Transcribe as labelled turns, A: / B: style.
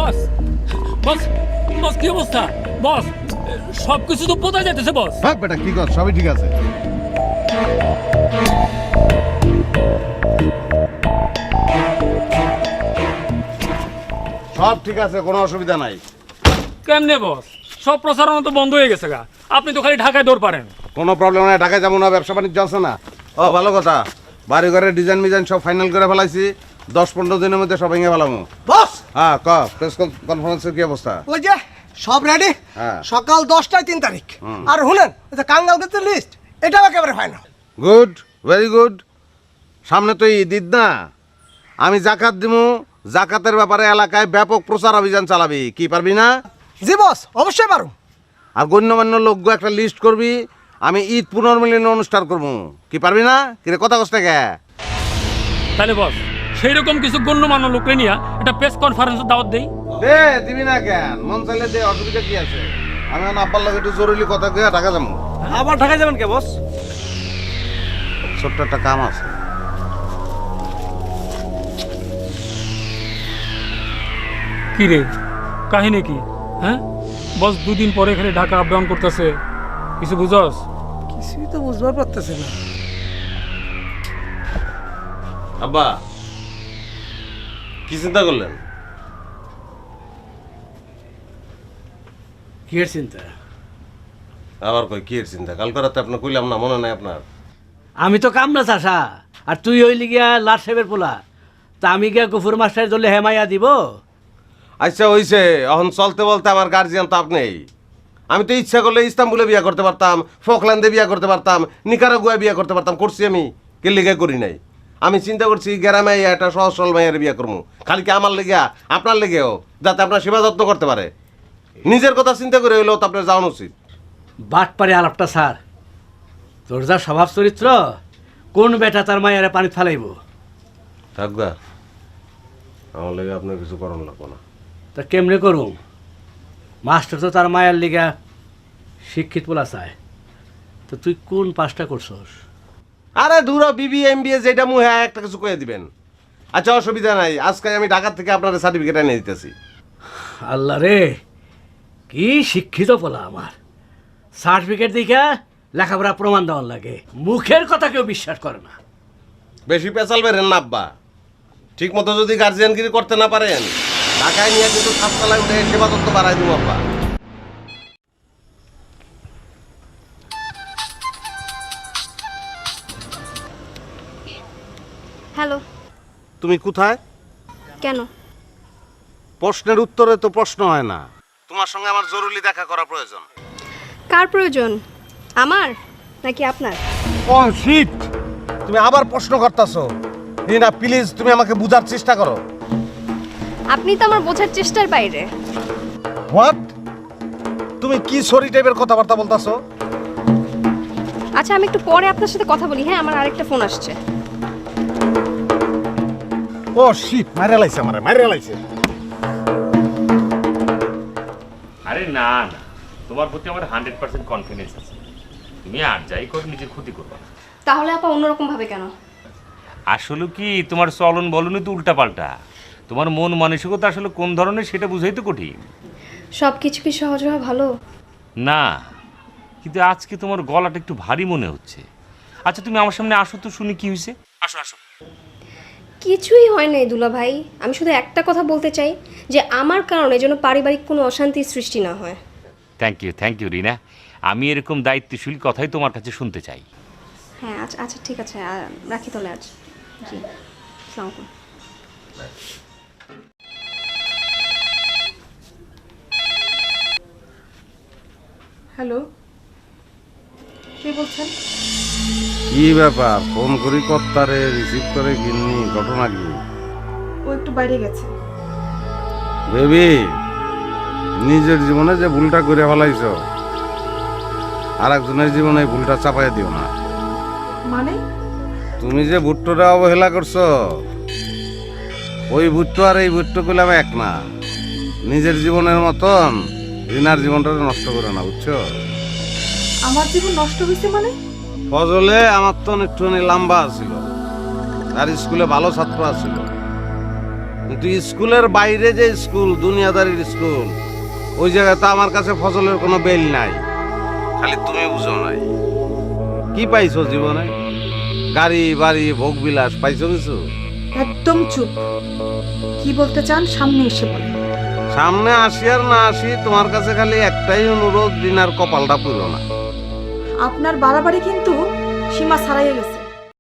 A: বস বস বস কি অবস্থা বস? সবকিছু তো বোঝা যাইতেছে বস।
B: হ্যাঁ বেটা কি কর, সবই ঠিক আছে। সব ঠিক আছে, কোনো অসুবিধা নাই।
A: কেমনে বস? সব প্রচারণা তো বন্ধ হয়ে গেছে গা, আপনি তো খালি ঢাকায় দৌড় পারেন।
B: কোনো প্রবলেম নাই, ঢাকায় যাবো না, ব্যবসা বাণিজ্য আছে না। ও ভালো কথা, বাড়ি ঘরের ডিজাইন মিজাইন সব ফাইনাল করে ফেলাইছি, 10-15 দিনের মধ্যে সব ভেঙে ফেলামো।
C: বস
B: হ্যাঁ ক, প্রেস কনফারেন্সের কি অবস্থা?
C: ওই যে সব রেডি,
B: হ্যাঁ।
C: সকাল 10টায় 3 তারিখ। আর শুনেন ওই যে কাঙ্গাল গেছে লিস্ট, এটাও একেবারে ফাইনাল।
B: Good, very good. সামনে তো ঈদ না, আমি জাকাত দিমু, জাকাতের ব্যাপারে এলাকায় ব্যাপক প্রচার অভিযান চালাবি, কি পারবি না?
C: জি বস, অবশ্যই পারুম।
B: আর গণ্যমান্য লোক একটা লিস্ট করবি, আমি ঈদ পুনর্মিলন অনুষ্ঠান করবো, কি পারবি না? কিরে কথা কষ্ট কে?
A: তাহলে বস সেই রকম কিছু গণ্যমান্য লোকরে নিয়ে একটা প্রেস কনফারেন্সের দাওয়াত দেই।
B: দে, দিবি না কেন? মন চাইলে দে, অসুবিধা কি আছে? আমি এখন আব্বার লাগে একটু জরুরি কথা কয়ে ঢাকা যাবো।
D: আবার ঢাকায় যাবেন কে বস?
B: ছোট্ট একটা কাম আছে।
A: কি রে, কাহিনী কি? হ্যাঁ বস, দুদিন পরে খালি ঢাকা আপ ডাউন করতেছে, কিছু বুঝস?
C: কিছুই তো বুঝবার পারতেছে না।
B: আব্বা কি চিন্তা করলেন?
D: কি এর চিন্তা?
B: আবার কই কি এর চিন্তা? কালকে রাতে আপনার কইলাম না, মনে নাই আপনার?
D: আমি তো কামনা চাষা, আর তুই হইলি গিয়া লাট সাহেবের পোলা, তা আমি গিয়া গফুর মাস্টারের দলে হেমাইয়া দিব?
B: আচ্ছা হইছে, এখন চলতে বলতে আমার গার্জিয়ান তো আপনি। আমি তো ইচ্ছা করলে ইস্তাম্বুলে বিয়ে করতে পারতাম, ফকল্যান্ডে বিয়ে করতে পারতাম, নিকারাগুয়ায় বিয়ে করতে পারতাম, করছি আমি, কে লিগে করি নাই। আমি চিন্তা করছি গ্রামে একটা সহজ সরল মাইয়ের বিয়ে করবো, খালি কি আমার লেগে আপনার লেগেও, যাতে আপনার সেবা যত্ন করতে পারে। নিজের কথা চিন্তা করে হইলেও তো আপনার যাওয়া উচিত।
D: বাট পারে আলাপটা স্যার, তোর যা স্বভাব চরিত্র, কোন বেটা তার মায়েরা পানি ফালাইব?
B: থাকবা, আমার লেগে আপনার কিছু করানো লাগবো না।
D: তা কেমনে করুম? মাস্টার তো তার মায়ের লিগা শিক্ষিত পোলা চায়, তো তুই কোন পাসটা করছস?
B: আরে দূর বিবি এমবিএ যেটা মুহে একটা কিছু কয়ে দিবেন। আচ্ছা অসুবিধা নাই, আজকে আমি ঢাকা থেকে আপনার সার্টিফিকেট এনে দিতেছি।
D: আল্লাহ রে, কি শিক্ষিত পোলা আমার! সার্টিফিকেট দিকে লেখাপড়া প্রমাণ দেওয়ার লাগে, মুখের কথা কেউ বিশ্বাস করে না।
B: বেশি পেঁচাল বেরেন না আব্বা, ঠিক মতো যদি গার্জিয়ানগিরি করতে না পারেন, ঢাকায় নিয়ে কিন্তু সাততলায় উঠে সেবা তত্ত্ব বাড়াই দেবো আব্বা।
E: হ্যালো।
B: তুমি কোথায়?
E: কেন?
B: প্রশ্নের উত্তরে তো প্রশ্ন হয় না, তোমার সঙ্গে আমার জরুরি দেখা করা প্রয়োজন।
E: কার প্রয়োজন, আমার নাকি আপনার?
B: ও শিট, তুমি আবার প্রশ্ন করতেছো। না প্লিজ, তুমি আমাকে বুঝার চেষ্টা করো।
E: আপনি তো আমার বোঝার চেষ্টার বাইরে।
B: হোয়াট? তুমি কি সরি টাইপের কথাবার্তা বলতাছো?
E: আচ্ছা আমি একটু পরে আপনার সাথে কথা বলি, হ্যাঁ আমার আরেকটা ফোন আসছে।
B: ও শিট, মাইরা লাইছে, আমারে মাইরা লাইছে।
F: আরে না না, তোমার প্রতি আমার 100% কনফিডেন্স আছে, তুমি আর যাই করো নিজের ক্ষতি করবে না।
E: তাহলে আপা অন্যরকম ভাবে কেন?
F: আসলে কি তোমার চলন বলনই তো উল্টাপাল্টা, তোমার মন মানসিকতা আসলে কোন ধরনের সেটা বুঝাই তো কঠিন।
E: সব কিছু কি সহজ হওয়া ভালো?
F: না, কিন্তু আজকে তোমার গলাটা একটু ভারী মনে হচ্ছে। আচ্ছা তুমি আমার সামনে আসো তো শুনি কি হয়েছে, আসো আসো।
E: কিছুই হয় নাই দুলা ভাই, আমি শুধু একটা কথা বলতে চাই যে আমার কারণে যেন পারিবারিক কোনো অশান্তির সৃষ্টি না হয়।
F: থ্যাংক ইউ রিনা, আমি এরকম দায়িত্বশীল কথাই তোমার কাছে শুনতে চাই।
E: হ্যাঁ আচ্ছা আচ্ছা ঠিক আছে, রাখি তাহলে আজ। জি, আসসালামু আলাইকুম।
G: হ্যালো, কে বলছেন?
B: কি ব্যাপার, ফোন করি কর্তারে, রিসিভ করে গিন্নি, ঘটনা কি?
G: ও একটু বাইরে গেছে।
B: বেবি, নিজের জীবনে যে ভুলটা করে ফেলাইছ, আর একজনের জীবনে এই ভুলটা চাপাই দিও না।
G: মানে?
B: তুমি যে ভুট্টোটা অবহেলা করছো, ওই ভুট্টো আর এই ভুট্টো করলাম এক না। নিজের জীবনের মতন রিনার জীবনটা নষ্ট করে না, বুঝছো?
G: আমার জীবন নষ্ট হয়েছে মানে?
B: ফজলে আমার তো একটুখানি লম্বা ছিল, আর স্কুলে ভালো ছাত্র আছিল, কিন্তু স্কুলের বাইরে যে স্কুল, দুনিয়াদারির স্কুল, ওই জায়গায় তো আমার কাছে ফসলের কোনো বেল নাই। খালি তুমি বুঝো নাই। কি পাইছো জীবনে? গাড়ি বাড়ি ভোগ বিলাস পাইছো কিছু?
G: একদম চুপ। কি বলতে চান সামনে এসে বলেন।
B: সামনে আসি আর না আসি, তোমার কাছে খালি একটাই অনুরোধ, দিনার কপালটা পুরো না।
G: আপনার বাড়াবাড়ি কিন্তু সীমা ছাড়াইয়া গেছে।